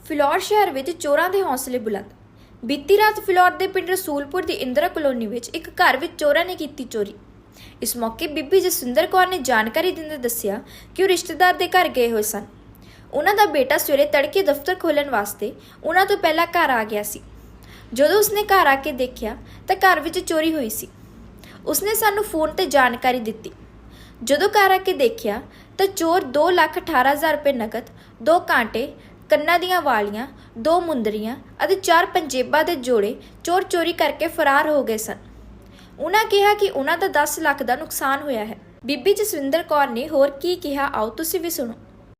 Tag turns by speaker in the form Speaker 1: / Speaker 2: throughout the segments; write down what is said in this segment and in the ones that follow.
Speaker 1: ਫਿਲੌਰ ਸ਼ਹਿਰ ਵਿੱਚ ਚੋਰਾਂ ਦੇ ਹੌਸਲੇ ਬੁਲੰਦ। ਬੀਤੀ ਰਾਤ ਫਿਲੌਰ ਦੇ ਪਿੰਡ ਰਸੂਲਪੁਰ ਦੀ ਇੰਦਰਾ ਕਲੋਨੀ ਵਿੱਚ ਇੱਕ ਘਰ ਵਿੱਚ ਚੋਰਾਂ ਨੇ ਕੀਤੀ ਚੋਰੀ। ਇਸ ਮੌਕੇ ਬੀਬੀ ਜਸਵਿੰਦਰ ਕੌਰ ਨੇ ਜਾਣਕਾਰੀ ਦਿੰਦੇ ਦੱਸਿਆ ਕਿ ਉਹ ਰਿਸ਼ਤੇਦਾਰ ਦੇ ਘਰ ਗਏ ਹੋਏ ਸਨ। ਉਹਨਾਂ ਦਾ ਬੇਟਾ ਸਵੇਰੇ ਤੜਕੇ ਦਫ਼ਤਰ ਖੋਲ੍ਹਣ ਵਾਸਤੇ ਉਹਨਾਂ ਤੋਂ ਪਹਿਲਾਂ ਘਰ ਆ ਗਿਆ ਸੀ। ਜਦੋਂ ਉਸਨੇ ਘਰ ਆ ਕੇ ਦੇਖਿਆ ਤਾਂ ਘਰ ਵਿੱਚ ਚੋਰੀ ਹੋਈ ਸੀ। ਉਸਨੇ ਸਾਨੂੰ ਫੋਨ ਤੇ ਜਾਣਕਾਰੀ ਦਿੱਤੀ। ਜਦੋਂ ਘਰ ਆ ਕੇ ਦੇਖਿਆ ਤਾਂ ਚੋਰ 2,18,000 ਰੁਪਏ ਨਕਦ, 2 ਕਾਂਟੇ, ਕੰਨਾਂ ਦੀਆਂ ਵਾਲੀਆਂ, 2 ਮੁੰਦਰੀਆਂ ਅਤੇ 4 ਪੰਜੇਬਾਂ ਦੇ ਜੋੜੇ ਚੋਰ ਚੋਰੀ ਕਰਕੇ ਫਰਾਰ ਹੋ ਗਏ ਸਨ। ਉਹਨਾਂ ਕਿਹਾ ਕਿ ਉਹਨਾਂ ਦਾ 10 ਲੱਖ ਦਾ ਨੁਕਸਾਨ ਹੋਇਆ ਹੈ। ਬੀਬੀ ਜਸਵਿੰਦਰ ਕੌਰ ਨੇ ਹੋਰ ਕੀ ਕਿਹਾ, ਆਓ ਤੁਸੀਂ ਵੀ ਸੁਣੋ।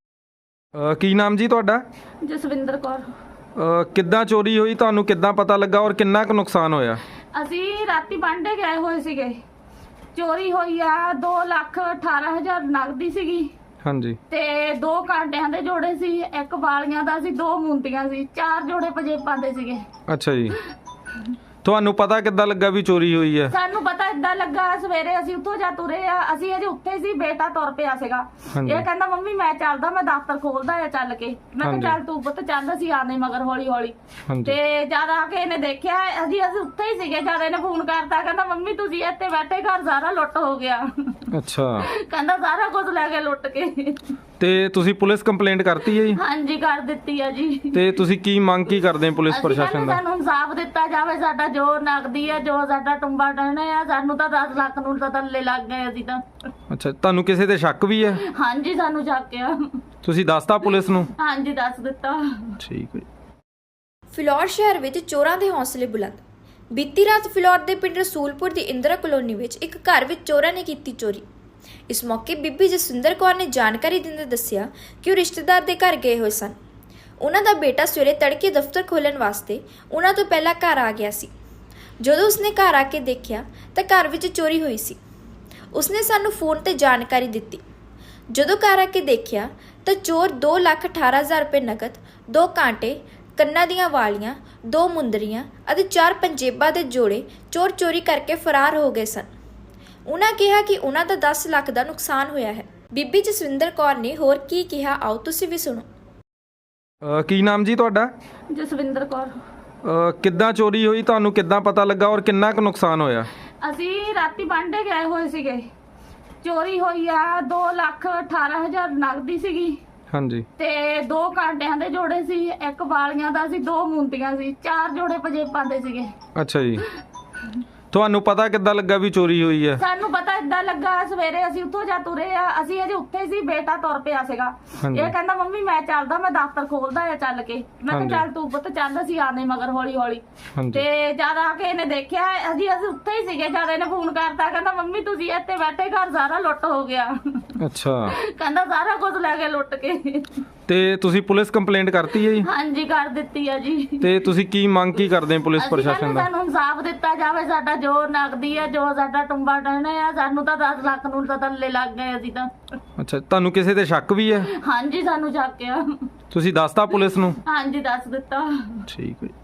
Speaker 2: ਕੀ ਨਾਮ ਜੀ ਤੁਹਾਡਾ?
Speaker 3: ਜਸਵਿੰਦਰ ਕੌਰ।
Speaker 2: ਕਿੱਦਾਂ ਚੋਰੀ ਹੋਈ, ਤੁਹਾਨੂੰ ਕਿੱਦਾਂ ਪਤਾ ਲੱਗਾ ਔਰ ਕਿੰਨਾ ਕੁ ਨੁਕਸਾਨ ਹੋਇਆ?
Speaker 3: ਅਸੀਂ ਰਾਤੀ ਬਾਂਡੇ ਗਏ ਹੋਏ ਸੀਗੇ, ਚੋਰੀ ਹੋਈ ਆ 2,18,000 ਨਗਦੀ ਸੀਗੀ
Speaker 2: ਹਾਂਜੀ।
Speaker 3: ਤੇ 2 ਕਾਂਟਿਆਂ ਦੇ ਜੋੜੇ ਸੀ, 1 ਵਾਲੀਆਂ ਦਾ ਸੀ, 2 ਮੁੰਦੀਆਂ ਸੀ, 4 ਜੋੜੇ ਪੰਜੇਬਾਂ ਦੇ ਸੀਗੇ।
Speaker 2: ਅੱਛਾ ਜੀ, ਤੁਹਾਨੂੰ ਪਤਾ ਕਿੱਦਾਂ ਲੱਗਾ ਵੀ ਚੋਰੀ ਹੋਈ ਹੈ?
Speaker 3: ਸਾਨੂੰ ਪਤਾ ਇਦਾਂ ਲੱਗਾ, ਸਵੇਰੇ ਅਸੀਂ ਉੱਥੋਂ ਜਾ ਤੁਰੇ ਆ, ਅਸੀਂ ਅਜੇ ਉੱਥੇ ਸੀ, ਬੇਟਾ ਤੁਰ ਪਿਆ ਸੀਗਾ। ਇਹ ਕਹਿੰਦਾ ਮੰਮੀ ਮੈਂ ਚੱਲਦਾ, ਮੈਂ ਦਫ਼ਤਰ ਖੋਲਦਾ ਆ ਚੱਲ ਕੇ। ਮੈਂ ਕਿਹਾ ਚੱਲ ਤੂੰ ਪੁੱਤ ਚੱਲ, ਅਸੀਂ ਆਨੇ ਮਗਰ ਹੌਲੀ ਹੌਲੀ। ਤੇ ਜਦ ਆ ਕੇ ਇਹਨੇ ਦੇਖਿਆ ਅਸੀਂ ਉੱਥੇ ਹੀ ਸੀਗੇ, ਜਦ ਇਹਨੇ ਫੋਨ ਕਰਤਾ, ਕਹਿੰਦਾ ਮੰਮੀ ਤੁਸੀਂ ਇੱਥੇ ਬੈਠੇ, ਘਰ ਸਾਰਾ ਲੁੱਟ ਹੋ ਗਿਆ।
Speaker 2: ਅੱਛਾ,
Speaker 3: ਕਹਿੰਦਾ ਸਾਰਾ ਕੁਝ ਲੈ ਕੇ ਲੁੱਟ ਕੇ।
Speaker 2: ਤੇ ਤੁਸੀਂ ਪੁਲਿਸ ਕੰਪਲੇਂਟ ਕਰਤੀ ਹੈ ਜੀ?
Speaker 3: ਹਾਂਜੀ ਕਰ ਦਿੱਤੀ ਆ ਜੀ।
Speaker 2: ਤੇ ਤੁਸੀਂ ਕੀ ਮੰਗ ਕੀ ਕਰਦੇ ਹੋ ਪੁਲਿਸ ਪ੍ਰਸ਼ਾਸਨ ਦਾ?
Speaker 3: ਸਾਨੂੰ ਇਨਸਾਫ ਦਿੱਤਾ ਜਾਵੇ, ਸਾਡਾ ਜੋ ਨਗਦੀ ਆ, ਜੋ ਸਾਡਾ ਟੁੰਬਾ ਟਹਿਣਾ ਆ, ਸਾਨੂੰ ਤਾਂ 10 ਲੱਖ ਨੂੰ ਤਾਂ ਥੱਲੇ ਲੱਗ ਗਏ ਅਸੀਂ ਤਾਂ।
Speaker 2: ਅੱਛਾ, ਤੁਹਾਨੂੰ ਕਿਸੇ ਤੇ ਸ਼ੱਕ ਵੀ ਹੈ?
Speaker 3: ਹਾਂਜੀ ਸਾਨੂੰ ਸ਼ੱਕ ਆ।
Speaker 2: ਤੁਸੀਂ ਦੱਸਤਾ ਪੁਲਿਸ ਨੂੰ?
Speaker 3: ਹਾਂਜੀ ਦੱਸ ਦਿੱਤਾ।
Speaker 2: ਠੀਕ ਹੈ।
Speaker 1: ਫਿਲੌਰ ਸ਼ਹਿਰ ਵਿੱਚ ਚੋਰਾਂ ਦੇ ਹੌਸਲੇ ਬੁਲੰਦ। ਬੀਤੀ ਰਾਤ ਫਿਲੌਰ ਦੇ ਪਿੰਡ ਰਸੂਲਪੁਰ ਦੀ ਇੰਦਰਾ ਕਲੋਨੀ ਵਿੱਚ ਇੱਕ ਘਰ ਵਿੱਚ ਚੋਰਾਂ ਨੇ ਕੀਤੀ ਚੋਰੀ। ਇਸ ਮੌਕੇ ਬੀਬੀ ਜਸਵਿੰਦਰ ਕੌਰ ਨੇ ਜਾਣਕਾਰੀ ਦਿੰਦੇ ਦੱਸਿਆ ਕਿ ਉਹ ਰਿਸ਼ਤੇਦਾਰ ਦੇ ਘਰ ਗਏ ਹੋਏ ਸਨ। ਉਹਨਾਂ ਦਾ ਬੇਟਾ ਸਵੇਰੇ ਤੜਕੇ ਦਫ਼ਤਰ ਖੋਲ੍ਹਣ ਵਾਸਤੇ ਉਹਨਾਂ ਤੋਂ ਪਹਿਲਾਂ ਘਰ ਆ ਗਿਆ ਸੀ। ਜਦੋਂ ਉਸਨੇ ਘਰ ਆ ਕੇ ਦੇਖਿਆ ਤਾਂ ਘਰ ਵਿੱਚ ਚੋਰੀ ਹੋਈ ਸੀ। ਉਸਨੇ ਸਾਨੂੰ ਫੋਨ ਤੇ ਜਾਣਕਾਰੀ ਦਿੱਤੀ। ਜਦੋਂ ਘਰ ਆ ਕੇ ਦੇਖਿਆ ਤਾਂ ਚੋਰ 2,18,000 ਰੁਪਏ ਨਕਦ, 2 ਕਾਂਟੇ, ਕੰਨਾਂ ਦੀਆਂ ਵਾਲੀਆਂ, 2 ਮੁੰਦਰੀਆਂ ਅਤੇ 4 ਪੰਜੇਬਾਂ ਦੇ ਜੋੜੇ ਚੋਰ ਚੋਰੀ ਕਰਕੇ ਫਰਾਰ ਹੋ ਗਏ ਸਨ। ਉਹਨਾਂ ਕਿਹਾ ਕਿ ਉਹਨਾਂ ਦਾ 10 ਲੱਖ ਦਾ ਨੁਕਸਾਨ ਹੋਇਆ ਹੈ। ਬੀਬੀ ਜਸਵਿੰਦਰ ਕੌਰ ਨੇ ਹੋਰ ਕੀ ਕਿਹਾ, ਆਓ ਤੁਸੀਂ ਵੀ ਸੁਣੋ।
Speaker 2: ਕੀ ਨਾਮ ਜੀ ਤੁਹਾਡਾ?
Speaker 3: ਜਸਵਿੰਦਰ ਕੌਰ।
Speaker 2: ਕਿੱਦਾਂ ਚੋਰੀ ਹੋਈ, ਤੁਹਾਨੂੰ ਕਿੱਦਾਂ ਪਤਾ ਲੱਗਾ ਔਰ ਕਿੰਨਾ ਕੁ ਨੁਕਸਾਨ ਹੋਇਆ?
Speaker 3: ਅਸੀਂ ਰਾਤੀ ਬਾਂਡੇ ਗਏ ਹੋਏ ਸੀਗੇ, ਚੋਰੀ ਹੋਈ ਆ 2,18,000 ਨਗਦੀ ਸੀਗੀ
Speaker 2: ਹਾਂਜੀ।
Speaker 3: ਤੇ 2 ਕਾਂਟਿਆਂ ਦੇ ਜੋੜੇ ਸੀ, 1 ਵਾਲੀਆਂ ਦਾ ਸੀ, 2 ਮੁੰਦੀਆਂ ਸੀ, 4 ਜੋੜੇ ਪੰਜੇਬਾਂ ਦੇ ਸੀਗੇ।
Speaker 2: ਅੱਛਾ ਜੀ, ਤੁਹਾਨੂੰ ਪਤਾ ਕਿੱਦਾਂ ਲੱਗਾ ਵੀ ਚੋਰੀ ਹੋਈ ਹੈ?
Speaker 3: ਸਾਨੂੰ ਪਤਾ ਇਦਾਂ ਲੱਗਾ, ਸਵੇਰੇ ਅਸੀਂ ਉੱਥੋਂ ਜਾ ਤੁਰੇ ਆ, ਅਸੀਂ ਅਜੇ ਉੱਥੇ ਸੀ, ਬੇਟਾ ਤੁਰ ਪਿਆ ਸੀਗਾ। ਇਹ ਕਹਿੰਦਾ ਮੰਮੀ ਮੈਂ ਚੱਲਦਾ, ਮੈਂ ਦਫ਼ਤਰ ਖੋਲਦਾ ਆ ਚੱਲ ਕੇ। ਮੈਂ ਕਿਹਾ ਚੱਲ ਤੂੰ ਪੁੱਤ ਚੱਲ, ਅਸੀਂ ਆਨੇ ਮਗਰ ਹੌਲੀ ਹੌਲੀ। ਤੇ ਜਦ ਆ ਕੇ ਇਹਨੇ ਦੇਖਿਆ ਅਸੀਂ ਉੱਥੇ ਹੀ ਸੀਗੇ, ਜਦ ਇਹਨੇ ਫੋਨ ਕਰਤਾ, ਕਹਿੰਦਾ ਮੰਮੀ ਤੁਸੀਂ ਇੱਥੇ ਬੈਠੇ, ਘਰ ਸਾਰਾ ਲੁੱਟ ਹੋ ਗਿਆ।
Speaker 2: ਅੱਛਾ,
Speaker 3: ਕਹਿੰਦਾ ਸਾਰਾ ਕੁਝ ਲੈ ਕੇ ਲੁੱਟ ਕੇ।
Speaker 2: ਤੇ ਤੁਸੀਂ ਪੁਲਿਸ ਕੰਪਲੇਂਟ ਕਰਤੀ ਹੈ ਜੀ?
Speaker 3: ਹਾਂਜੀ ਕਰ ਦਿੱਤੀ ਆ ਜੀ।
Speaker 2: ਤੇ ਤੁਸੀਂ ਕੀ ਮੰਗ ਕੀ ਕਰਦੇ ਹੋ ਪੁਲਿਸ ਪ੍ਰਸ਼ਾਸਨ ਦਾ?
Speaker 3: ਸਾਨੂੰ ਇਨਸਾਫ ਦਿੱਤਾ ਜਾਵੇ, ਸਾਡਾ ਜੋ ਨਗਦੀ ਆ, ਜੋ ਸਾਡਾ ਟੁੰਬਾ ਟਹਿਣਾ ਆ, ਸਾਨੂੰ ਤਾਂ 10 ਲੱਖ ਨੂੰ ਤਾਂ ਥੱਲੇ ਲੱਗ ਗਏ ਅਸੀਂ ਤਾਂ।
Speaker 2: ਅੱਛਾ, ਤੁਹਾਨੂੰ ਕਿਸੇ ਤੇ ਸ਼ੱਕ ਵੀ ਹੈ?
Speaker 3: ਹਾਂਜੀ ਸਾਨੂੰ ਸ਼ੱਕ ਆ।
Speaker 2: ਤੁਸੀਂ ਦੱਸਤਾ ਪੁਲਿਸ ਨੂੰ?
Speaker 3: ਹਾਂਜੀ ਦੱਸ ਦਿੱਤਾ।
Speaker 2: ਠੀਕ ਹੈ।